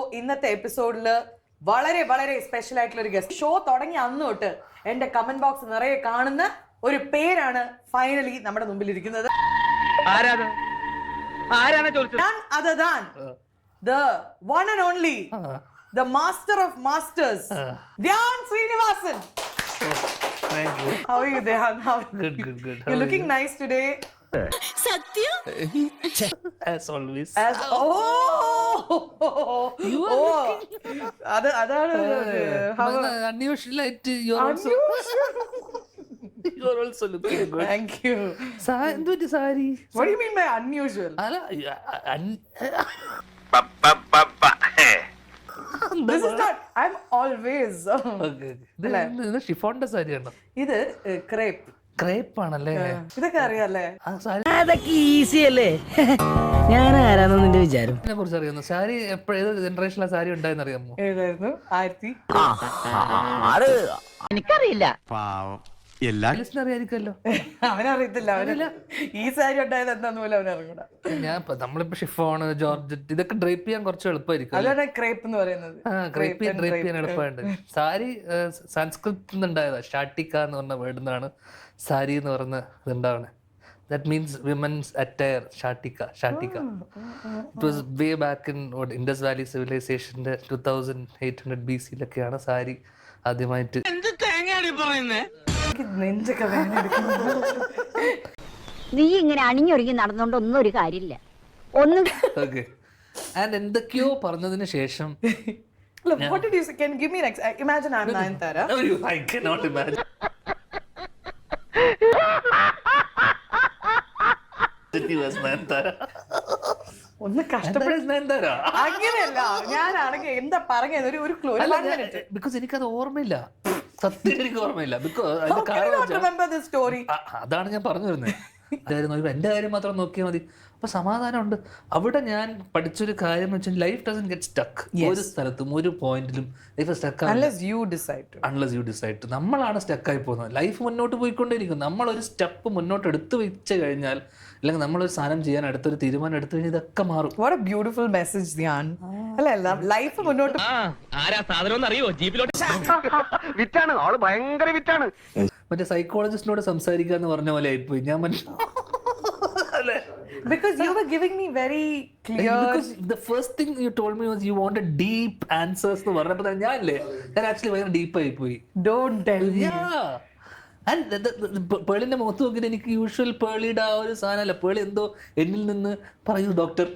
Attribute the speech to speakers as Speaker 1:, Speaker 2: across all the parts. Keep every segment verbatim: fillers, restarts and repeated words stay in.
Speaker 1: ഇന്നത്തെ എപ്പിസോഡില് വളരെ വളരെ സ്പെഷ്യൽ ആയിട്ടുള്ള ഒരു ഗസ്റ്റ്. ഷോ തുടങ്ങി അന്ന് തൊട്ട് എന്റെ കമന്റ് ബോക്സ് നിറയെ കാണുന്ന ഒരു പേരാണ് ഫൈനലി നമ്മുടെ മുമ്പിൽ ഇരിക്കുന്നത്. None other than the one and only, the master of masters, Dhyan Srinivasan.
Speaker 2: Thank you.
Speaker 1: How are you, Dhyan? How are
Speaker 2: Good,
Speaker 1: you?
Speaker 2: good, good.
Speaker 1: You're looking nice today.
Speaker 3: Satyam?
Speaker 2: As always.
Speaker 1: As oh,
Speaker 2: You are
Speaker 1: oh,
Speaker 2: looking.
Speaker 1: അത് അതാണ് how
Speaker 2: Unusual ആയിട്ട് you are also you are also looking good.
Speaker 1: Thank you.
Speaker 2: സാ- എന്തുപറ്റി sari?
Speaker 1: What do you mean by unusual?
Speaker 2: അല്ല, അ- അൻ-
Speaker 1: This is not. I'm always.
Speaker 2: Okay. ഇത് ഇത് ഷിഫോണിന്റെ സാരിയാണോ?
Speaker 1: ഇത് ക്രേപ്പ്.
Speaker 2: ക്രേപ്പ് ആണല്ലേ?
Speaker 1: ഇതൊക്കെ അറിയാല്ലേ?
Speaker 2: ആ സാരി
Speaker 4: അതൊക്കെ ഈസി അല്ലേ? ഞാൻ ആരാണെന്ന് നിന്റെ വിചാരം?
Speaker 2: നെ കുറിച്ച് അറിയാമോ? സാരി എപ്പോഴും ഏത് ജനറേഷനിലെ സാരി ഉണ്ടായെന്ന് അറിയാമോ?
Speaker 1: ഏതായിരുന്നു? ആയിരത്തി
Speaker 4: അത് എനിക്കറിയില്ല.
Speaker 5: എല്ലാ
Speaker 2: ലിസ്റ്റിന് അറിയാതിരിക്കുമല്ലോ.
Speaker 1: അവനറിയത്തില്ല. അവനില്ല ഈ സാരി ഉണ്ടായത് എന്താന്ന് പോലും അവനറിയൂടാ.
Speaker 2: ഞാൻ ഇപ്പൊ നമ്മളിപ്പോ ഷിഫോണ്, ജോർജറ്റ് ഇതൊക്കെ ഡ്രൈപ്പ് ചെയ്യാൻ കുറച്ച് എളുപ്പമായിരിക്കും.
Speaker 1: അതുകൊണ്ടാ ക്രേപ്പ് എന്ന് പറയുന്നത്.
Speaker 2: ആ ഡ്രൈപ്പ് ചെയ്യാൻ ഡ്രൈപ്പ് ചെയ്യാൻ എളുപ്പമുണ്ട്. സാരി സംസ്കൃതത്തിൽ നിന്നുണ്ടായതാ. ഷാട്ടിക്ക എന്ന് പറഞ്ഞ വേർഡിൽ നിന്നാണ് സാരി എന്ന് പറഞ്ഞ ഇതുണ്ടാവണേ. That means women's attire. ഷാട്ടിക്ക ഷാട്ടിക്ക it was way back in Indus Valley സിവിലൈസേഷന്റെ two thousand eight hundred B സിയിലൊക്കെയാണ് സാരി ആദ്യമായിട്ട്.
Speaker 1: എനിക്ക് നെഞ്ചൊക്കെ വേദന എടുക്കുന്നു.
Speaker 3: നീ ഇങ്ങനെ അണിഞ്ഞൊരുങ്ങി നടന്നുകൊണ്ട് ഒന്നും ഒരു കാര്യമില്ല. ഒന്നും
Speaker 2: ഓക്കെ. ആൻഡ് എന്തൊക്കെയോ പറഞ്ഞതിന് ശേഷം
Speaker 1: Look, what did you say? Can you give me an ex- imagine I'm Nayanthara.
Speaker 2: I cannot imagine. It was Nayanthara.
Speaker 1: ഒന്ന് കഷ്ടപ്പെട്ട്
Speaker 2: Nayanthara is Nayanthara.
Speaker 1: അങ്ങനെയല്ല. ഞാനാണെങ്കിൽ എന്താ പറഞ്ഞത് ഒരു ഒരു ക്ലൂ.
Speaker 2: അല്ല, ഞാൻ- because എനിക്കത് ഓർമ്മയില്ല. സത്യം എനിക്ക് ഓർമ്മയില്ല. ബിക്കോസ്
Speaker 1: How
Speaker 2: അതിന്റെ
Speaker 1: can you
Speaker 2: കാരണം
Speaker 1: not
Speaker 2: വെച്ചാ-
Speaker 1: remember this story?
Speaker 2: ആ, അതാണ് ഞാൻ പറഞ്ഞു വരുന്നത്. എന്റെ കാര്യം മാത്രം നോക്കിയാൽ മതി. അപ്പൊ സമാധാനമുണ്ട്. അവിടെ ഞാൻ പഠിച്ചൊരു കാര്യം എന്ന് വെച്ചാൽ ലൈഫ് ഡസൻ ഗെറ്റ് സ്റ്റക്ക്. ഒരു സ്ഥലത്തും ഒരു പോയിന്റിലും life stuck
Speaker 1: Unless you decide to.
Speaker 2: Unless you decide. നമ്മളാണ് സ്റ്റക്കായി പോകുന്നത്. ലൈഫ് മുന്നോട്ട് പോയിക്കൊണ്ടേയിരിക്കും. നമ്മളൊരു സ്റ്റെപ്പ് മുന്നോട്ട് എടുത്തു വെച്ച് കഴിഞ്ഞാൽ, അല്ലെങ്കിൽ നമ്മളൊരു സാധനം ചെയ്യാൻ അടുത്തൊരു തീരുമാനം എടുത്തു കഴിഞ്ഞാൽ ഇതൊക്കെ മാറും.
Speaker 1: What a beautiful message, Dhyan. അല്ല അല്ല ലൈഫ് മുന്നോട്ട്
Speaker 5: വിറ്റാണ് ആള് ഭയങ്കര വിറ്റാണ്.
Speaker 2: മറ്റേ സൈക്കോളജിസ്റ്റിനോട് സംസാരിക്കുക എന്ന് പറഞ്ഞ പോലെ ആയിപ്പോയി ഞാൻ. അല്ലേ?
Speaker 1: because you were giving me very clear.
Speaker 2: Because the first thing you told me was you wanted deep answers എന്ന് പറഞ്ഞപ്പോൾ തന്നെ ഞാനില്ലേ ഞാൻ ആക്ച്വലി ഭയങ്കര ഡീപ്പ് ആയി പോയി.
Speaker 1: Don't tell me.
Speaker 2: പേളിന്റെ മുഖത്ത് നോക്കിയിട്ട് എനിക്ക് യൂഷ്വൽ പേളിയുടെ ആ ഒരു സാധനമല്ല. പേളി എന്തോ എന്നിൽ നിന്ന് പറയൂ ഡോക്ടർ.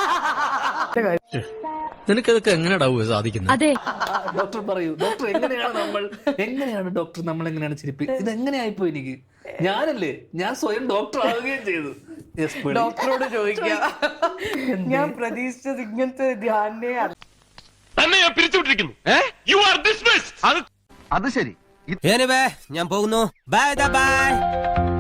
Speaker 6: നിനക്കതൊക്കെ എങ്ങനെയാ സാധിക്കുന്നത്?
Speaker 3: അതെ
Speaker 2: ഡോക്ടർ പറയൂ. ഡോക്ടർ എങ്ങനെയാണ് നമ്മൾ എങ്ങനെയാണ് ഡോക്ടർ നമ്മൾ എങ്ങനെയാണ് ചിരിപ്പി ഇത് എങ്ങനെയായിപ്പോ എനിക്ക്? ഞാനല്ലേ ഞാൻ സ്വയം ഡോക്ടർ ആവുകയും ചെയ്തു.
Speaker 1: ഡോക്ടറോട് ചോദിക്കാം. ഞാൻ പ്രതീക്ഷിച്ചത് ഇങ്ങനത്തെ ധ്യാനെ അല്ല.
Speaker 5: അത് ശരി.
Speaker 6: ഞാൻ പോകുന്നു. Bye by.